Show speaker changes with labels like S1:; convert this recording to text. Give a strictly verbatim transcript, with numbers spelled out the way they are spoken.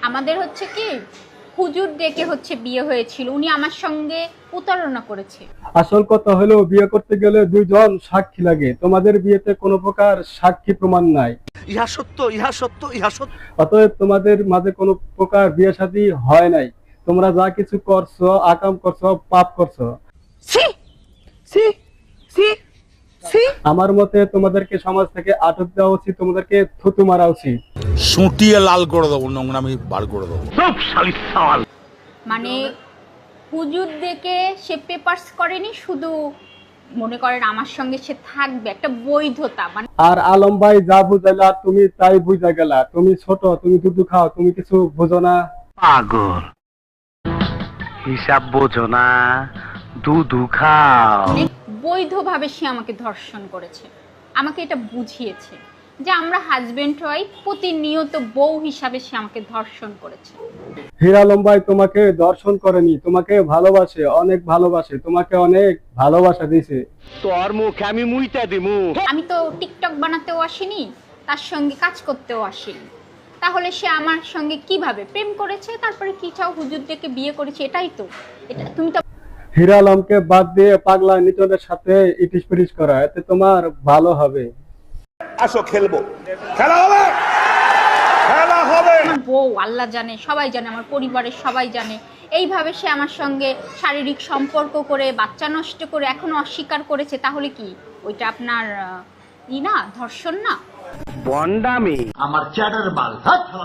S1: আমাদের হচ্ছে কি হুজুর ডেকে হচ্ছে বিয়ে হয়েছিল, উনি আমার সঙ্গে প্রতারণা করেছে।
S2: আসল কথা হলো বিয়ে করতে গেলে দুইজন সাক্ষী লাগে, তোমাদের বিয়েতে কোনো প্রকার সাক্ষী প্রমাণ নাই।
S3: ইহা সত্য, ইহা সত্য, ইহা সত্য।
S2: অতএব তোমাদের মাঝে কোনো প্রকার বিয়ে শাদী হয় নাই। তোমরা যা কিছু করছো, আকাম করছো, পাপ করছো।
S3: সি সি সি সি
S2: আমার মতে তোমাদেরকে সমাজ থেকে আটক দেওয়া উচিত, তোমাদেরকে থুতু মারা উচিত।
S4: সুটিয়ে লাল করে দেবো, নোংরামি বার করে দেবো।
S1: মানে হুজুর ডেকে সে পেপারস করেনি, শুধু মনে করেন আমার সঙ্গে সে থাকবে, একটা বৈধতা। মানে
S2: আর আলম ভাই যা বুঝাইলা তুমি তাই বুঝা গেলা। তুমি ছোট, তুমি দুধু খাও, তুমি কিছু বুঝো না।
S5: পাগল, হিসাব বোঝো না, দুধু খাও।
S1: বৈধভাবে সে আমাকে ধর্ষণ করেছে, আমাকে এটা বুঝিয়েছে যে আমরা হাজবেন্ড ওয়াইফ, প্রতিনিয়ত বউ হিসাবে সে আমাকে ধর্ষণ করেছে।
S2: হীরা আলম ভাই তোমাকে দর্শন করেনি, তোমাকে ভালোবাসে, অনেক ভালোবাসে, তোমাকে অনেক ভালোবাসা দিয়েছে।
S5: তোর মুখে আমি মুইতা দিমু।
S1: আমি তো টিকটক বানাতেও আসিনি, তার সঙ্গে কাজ করতেও আসিনি, তাহলে সে আমার সঙ্গে কিভাবে প্রেম করেছে, তারপরে কি চাও হুজুর ডেকে বিয়ে করেছে, এটাই তো। এটা তুমি তো
S2: হীরা আলমকে বাদ দিয়ে পাগলা নিতনের সাথে ইটিস পিটিস করা, এতে তোমার ভালো হবে।
S4: আসো খেলবো, খেলা হবে, খেলা হবে।
S1: আমার বউ, আল্লাহ জানে, সবাই জানে, আমার পরিবারের সবাই জানে, এইভাবে সে আমার সঙ্গে শারীরিক সম্পর্ক করে বাচ্চা নষ্ট করে এখনো অস্বীকার করেছে, তাহলে কি ওইটা আপনার আহ, ই না, ধর্ষণ না?
S5: বন্ডামি।
S6: আমার চ্যাটার বাল